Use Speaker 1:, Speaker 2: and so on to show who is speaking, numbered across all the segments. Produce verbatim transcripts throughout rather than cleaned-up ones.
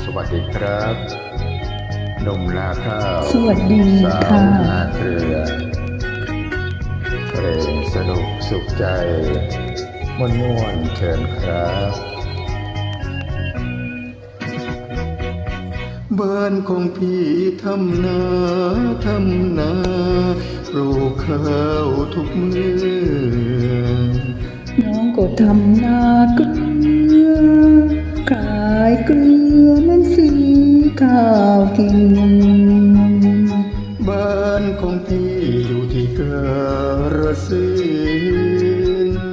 Speaker 1: วัสดีครับหนุ่มนาข้าว
Speaker 2: สวัสดีค่ะ
Speaker 1: สาวนาเกลือเพลงสนุกสุขใจม่วนม่วนเชิญครับบ้านของพี่ทำนาทำนาปลูกข้าวทุกมือ
Speaker 2: น้องก็ทำนาเกลือขายเกลือมันซื้อข้าวกิน
Speaker 1: บ้านของพี่อยู่ที่กระสินธุ์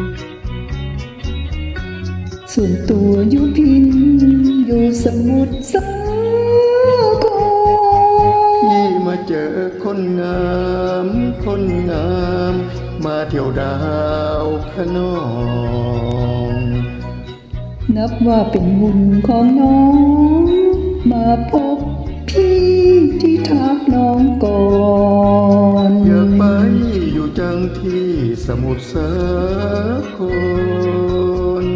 Speaker 2: ส่วนตัวอยู่พินอยู่สมุทรสาคร
Speaker 1: พี่มาเจอคนงามคนงามมาเที่ยวดาวขนอง
Speaker 2: นับว่าเป็นบุญของน้องมาพบพี่ที่ทักน้องก่อน
Speaker 1: อยากไปอยู่จังที่สมุทรสาคร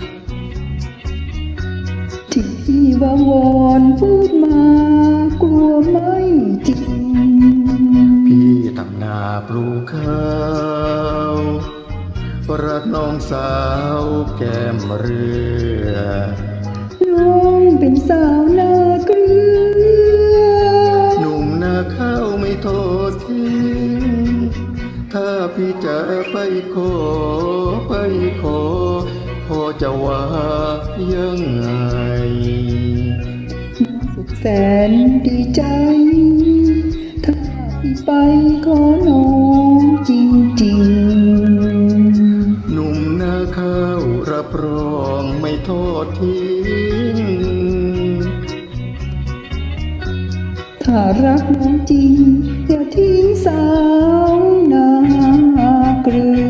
Speaker 2: ที่พี่ว่าวอนพูดมากลัวไม่จริง
Speaker 1: พี่ทำนาปลูกข้าวรักน้องสาวแก้มเรือ
Speaker 2: น้องเป็นสาวนาเกลือ
Speaker 1: หนุ่มนาข้าวไม่ทอดทิ้งถ้าพี่จะไปขอไปขอพอจะว่ายังไง
Speaker 2: สุดแสนดีใจถ้าพี่ไปขอน้องจริง
Speaker 1: ๆหนุ่มนาข้าวรับรองไม่ทอดทิ้ง
Speaker 2: ถ้ารักน้องจริงอย่าทิ้งสาวนาเกลือ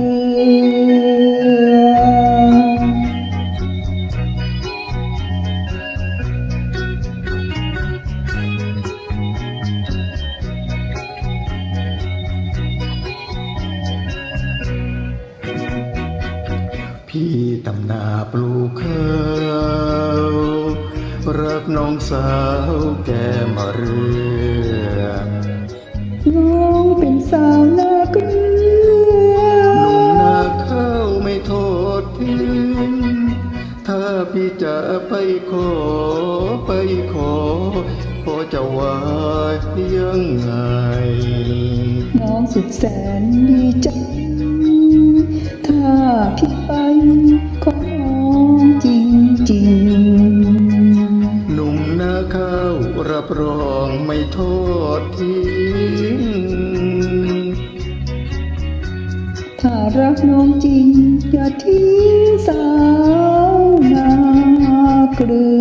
Speaker 1: พี่ตำนาปลูกข้าวรักน้องสาวแก้มเรือ
Speaker 2: น้องเป็นสาวนาเกลือ
Speaker 1: หนุ่มนาข้าวไม่โทษทิ้งถ้าพี่จะไปขอไปขอพอจะว่ายังไง
Speaker 2: น้องสุดแสนดีใจถ้าพี่ไปขอน้องจริง
Speaker 1: ๆหนุ่มนาข้าวรับรองไม่โทษทิ้ง
Speaker 2: ถ้ารักน้องจริงอย่าทิ้งสาวนาเกลือ